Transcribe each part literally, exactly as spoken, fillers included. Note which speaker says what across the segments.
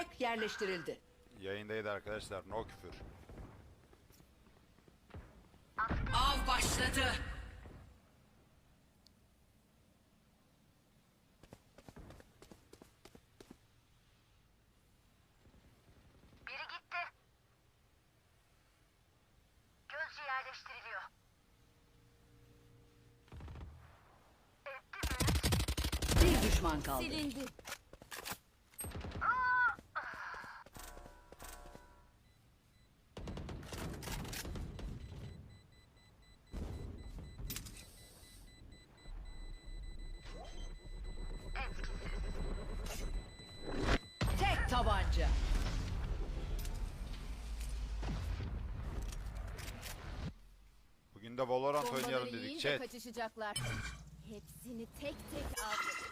Speaker 1: Spike yerleştirildi.
Speaker 2: Yayındaydı arkadaşlar. No küfür.
Speaker 1: Av başladı.
Speaker 3: Biri gitti. Gözcü yerleştiriliyor. Etti mi?
Speaker 1: Bir düşman kaldı.
Speaker 4: Silindi.
Speaker 1: Tek tabanca.
Speaker 2: Bugün de Valorant
Speaker 4: Bombaları
Speaker 2: oynayalım dedik
Speaker 4: yiyince
Speaker 2: chat.
Speaker 4: kaçışacaklar. Hepsini tek tek aldım.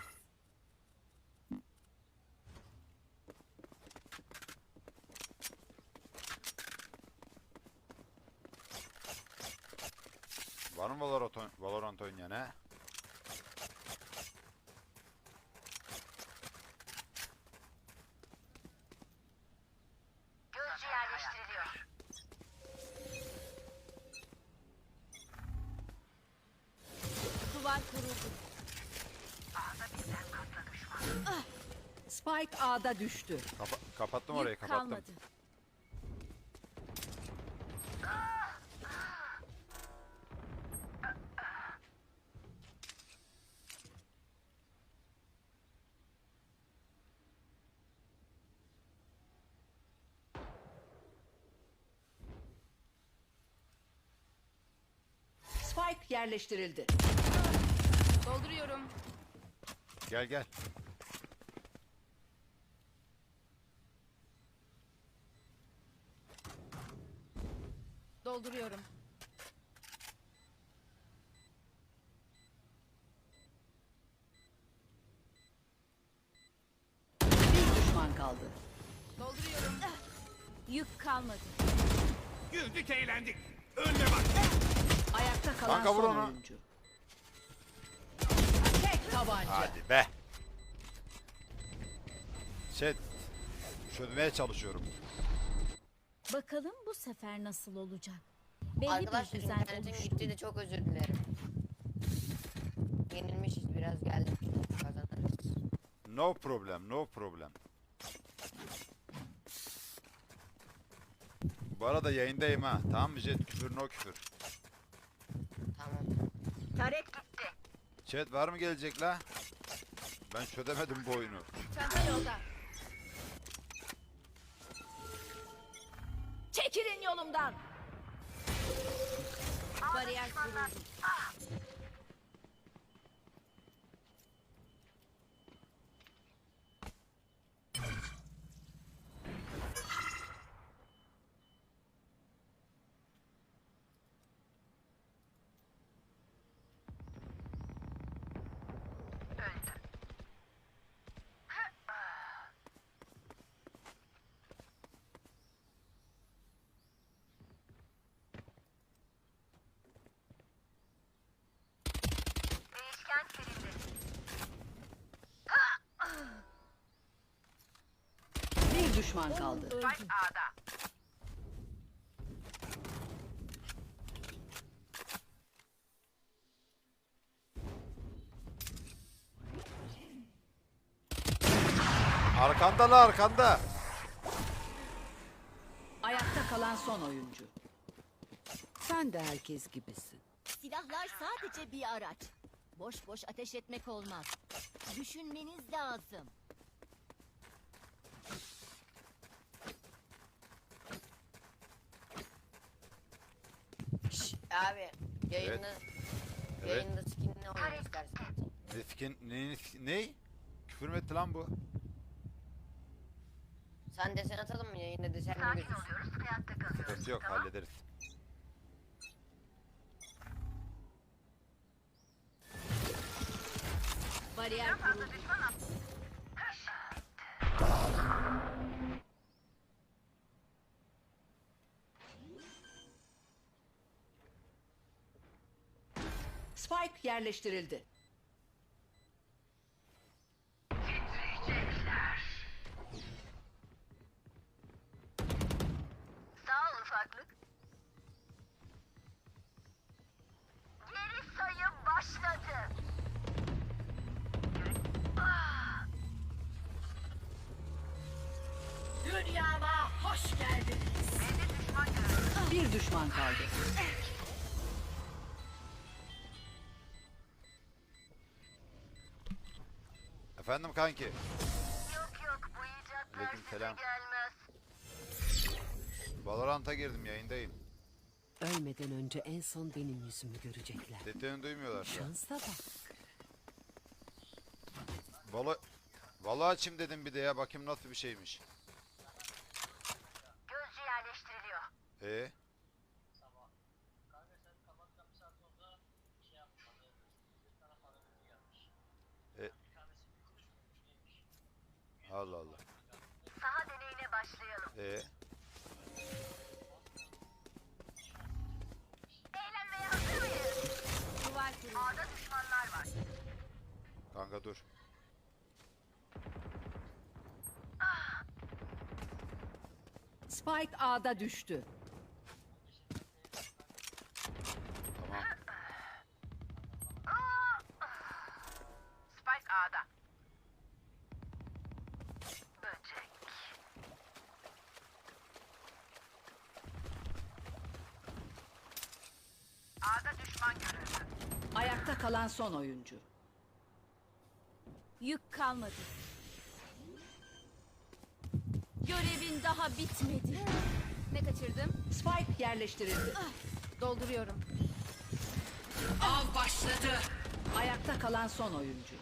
Speaker 2: Var mı Valorant, oyn- Valorant oynayan he?
Speaker 3: Gözcü yerleştiriliyor.
Speaker 4: Duvar kuruldu.
Speaker 1: Spike A'da düştü.
Speaker 2: Kapa kapattım orayı,
Speaker 4: Yük
Speaker 2: kapattım.
Speaker 4: kalmadı.
Speaker 1: Spike yerleştirildi.
Speaker 4: Dolduruyorum.
Speaker 2: Gel gel.
Speaker 4: Dolduruyorum.
Speaker 1: Bir düşman kaldı.
Speaker 4: Dolduruyorum. Yük kalmadı.
Speaker 5: Güldük eğlendik. Önüne bak.
Speaker 1: Ayakta kalan
Speaker 2: Kanka vur
Speaker 1: son
Speaker 2: onu.
Speaker 1: oyuncu. Tek tabanca.
Speaker 2: Hadi be. Chat. Çözmeye çalışıyorum.
Speaker 4: Bakalım bu sefer nasıl olacak? Belli
Speaker 6: Arkadaşlar
Speaker 4: bir düzen
Speaker 6: internetim
Speaker 4: oluştu.
Speaker 6: gitti de çok özür dilerim. Yenilmişiz biraz geldik kazanırız.
Speaker 2: No problem, no problem. Bu arada yayındayım ha. Tamam mı chat? Küfür no küfür.
Speaker 6: Tamam.
Speaker 3: Tarek gitti.
Speaker 2: Chat var mı gelecek la? Ben çözemedim bu oyunu.
Speaker 4: Çanta yolda.
Speaker 1: Çekilin yolumdan.
Speaker 4: Bariyer kuruldu.
Speaker 3: Değişken silindi.
Speaker 1: Bir düşman kaldı.
Speaker 4: Öldü.
Speaker 3: A'da.
Speaker 2: Arkanda la arkanda.
Speaker 1: Ayakta kalan son oyuncu. Sen de herkes gibisin.
Speaker 4: Silahlar sadece bir araç. Boş boş ateş etmek olmaz. Düşünmeniz lazım.
Speaker 6: Şş, abi yayında
Speaker 2: Evet.
Speaker 6: yayında skinini oynamak istersen.
Speaker 2: Ne skin, ne, ne? Küfür mü etti lan bu?
Speaker 6: Sen desen atalım mı yayında desen mi
Speaker 3: Sakin
Speaker 6: gözüksün?
Speaker 3: oluyoruz. Hayatta kalıyoruz.
Speaker 2: Sıkıntı yok,
Speaker 3: Tamam.
Speaker 2: hallederiz.
Speaker 4: Bariyer kuruldu.
Speaker 1: Spike yerleştirildi. Dünyama hoş geldiniz. Bir düşman kaldı.
Speaker 2: Efendim kanki.
Speaker 3: Yok yok bu icatlar
Speaker 2: Aleykümselam.
Speaker 3: size gelmez.
Speaker 2: Valorant'a girdim, yayındayım.
Speaker 1: Ölmeden önce en son benim yüzümü görecekler.
Speaker 2: Dediğini duymuyorlar şu an.
Speaker 1: Şansa bak.
Speaker 2: Valo... Valo açayım dedim bir de ya, bakayım nasıl bir şeymiş.
Speaker 3: Gözcü yerleştiriliyor.
Speaker 2: Ee? E... Allah Allah.
Speaker 3: Saha deneyine başlayalım.
Speaker 2: Ee?
Speaker 3: Eğlenmeye hazır mıyız?
Speaker 4: Duvar kuruldu.
Speaker 3: A'da düşmanlar var.
Speaker 2: Kanka dur.
Speaker 1: Spike A'da düştü.
Speaker 2: Tamam.
Speaker 3: Spike A'da. Böcek. A'da düşman görüldü.
Speaker 1: Ayakta kalan son oyuncu.
Speaker 4: Yük kalmadı. Görevin daha bitmedi. Ne kaçırdım?
Speaker 1: Spike yerleştirildi.
Speaker 4: Dolduruyorum.
Speaker 1: Av başladı. Ayakta kalan son oyuncu.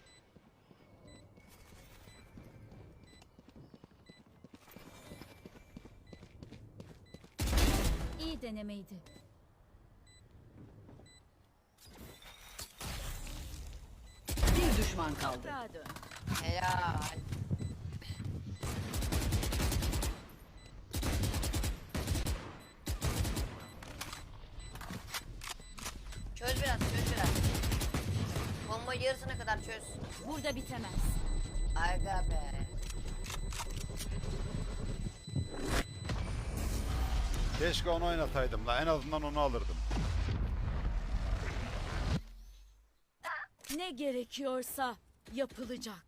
Speaker 4: İyi denemeydi.
Speaker 1: Bir düşman kaldı.
Speaker 4: Daha dön.
Speaker 6: Helal. Çöz biraz, çöz biraz. Bombayı yarısına kadar çöz.
Speaker 4: Burada bitemez.
Speaker 6: Aga be.
Speaker 2: Keşke onu oynataydım la, en azından onu alırdım.
Speaker 4: Ne gerekiyorsa yapılacak.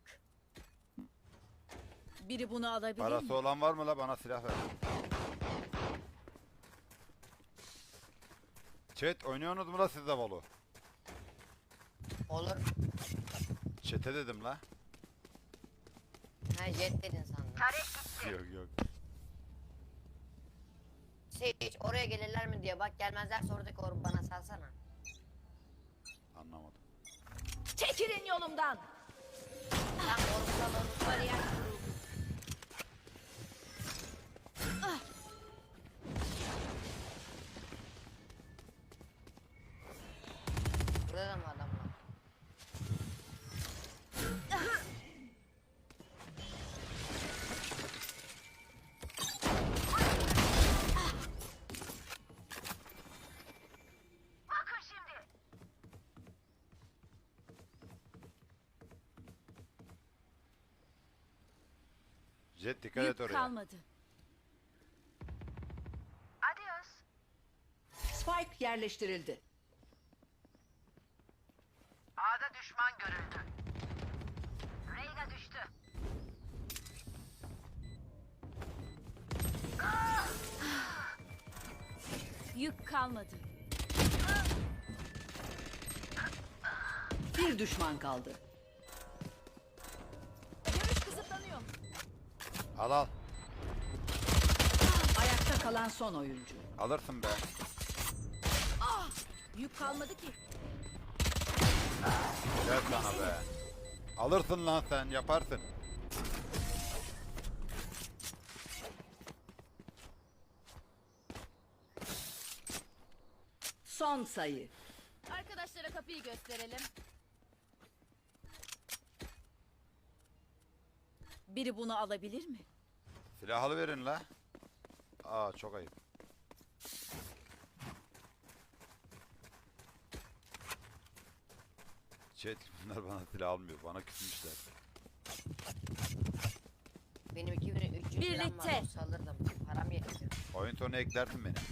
Speaker 4: Biri bunu alabilir mi?
Speaker 2: Parası olan var mı la, bana silah ver. Chat oynuyorsunuz mu la siz de Valo?
Speaker 6: Olur.
Speaker 2: Chat'e dedim la.
Speaker 6: Ha jet dedin sandım.
Speaker 3: Tarek gitti.
Speaker 2: Yok yok.
Speaker 6: Sage oraya gelirler mi diye bak, gelmezlerse oradaki oru bana salsana.
Speaker 2: Anlamadım.
Speaker 4: Çekilin yolumdan.
Speaker 6: Tam orusal orusal.
Speaker 4: Bariyer kuruldu.
Speaker 6: Burada da mı adam var?
Speaker 3: Bakın şimdi.
Speaker 2: Jet dikkat
Speaker 4: Yük
Speaker 2: et oraya.
Speaker 4: kalmadı.
Speaker 3: Adios.
Speaker 1: Spike yerleştirildi.
Speaker 3: A'da düşman görüldü. Reyna düştü.
Speaker 4: Yük kalmadı.
Speaker 1: Bir düşman kaldı.
Speaker 4: Görüş kısıtlanıyor.
Speaker 2: Al al.
Speaker 1: Ayakta kalan son oyuncu.
Speaker 2: Alırsın be.
Speaker 4: Yük kalmadı ki.
Speaker 2: Gel sana be. Alırsın lan sen, yaparsın.
Speaker 1: Son sayı.
Speaker 4: Arkadaşlara kapıyı gösterelim. Biri bunu alabilir mi?
Speaker 2: Silahlı verin la. Aa çok ayıp. Chat bunlar bana silah almıyor. Bana küsmüşler.
Speaker 6: Benim iki bin üç yüz liram var,
Speaker 4: Birlikte.
Speaker 6: olsa alırdım. Param yetmiyor.
Speaker 2: Oyun sonu eklersin beni.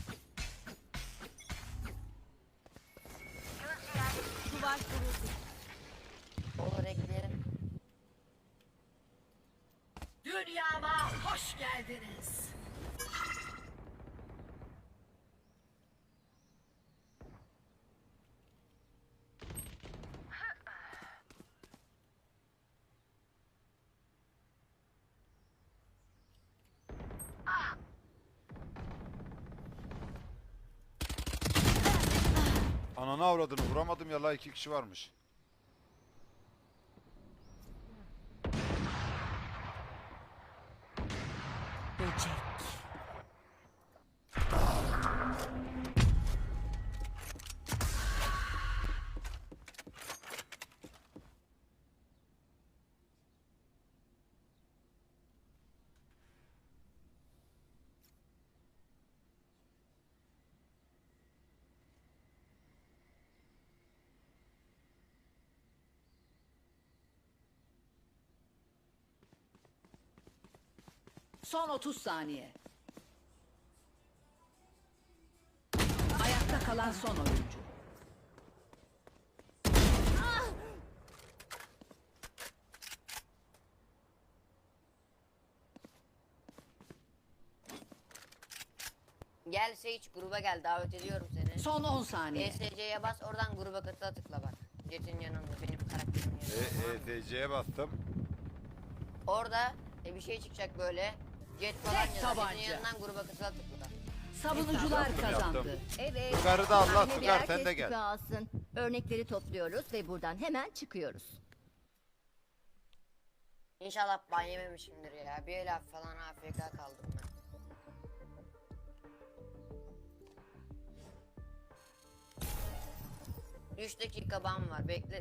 Speaker 3: Gözcü yerleştiriliyor.
Speaker 4: Duvar kuruldu.
Speaker 6: Olur ekleyelim.
Speaker 1: Dünya Dünyama hoş geldiniz.
Speaker 2: Ananı avradını vuramadım ya la, iki kişi varmış.
Speaker 1: Böcek. Son otuz saniye. Ayakta kalan son oyuncu.
Speaker 6: Gel Sage, gruba gel, davet ediyorum seni.
Speaker 1: Son on saniye.
Speaker 6: E S C'ye bas, oradan gruba katıla tıkla bak. Jet'in yanında, benim karakterimin
Speaker 2: E,
Speaker 6: yanında.
Speaker 2: E T C'ye bastım.
Speaker 6: Orada e, bir şey çıkacak böyle. Jet falan
Speaker 1: Tek
Speaker 6: yazar. Jet'in
Speaker 1: tabanca.
Speaker 6: yanından gruba katıla tıkla.
Speaker 1: Savunucular
Speaker 2: Yaptım,
Speaker 1: kazandı.
Speaker 2: yaptım.
Speaker 4: Evet.
Speaker 2: Yukarı da Allah,
Speaker 4: Sahne
Speaker 2: Tugay,
Speaker 4: bir
Speaker 2: sen de
Speaker 4: herkes
Speaker 2: gel.
Speaker 4: küpe alsın. Örnekleri topluyoruz ve buradan hemen çıkıyoruz.
Speaker 6: İnşallah ban yememişimdir ya. Bir laf falan A F K kaldım ben. üç dakika ban var. Bekle,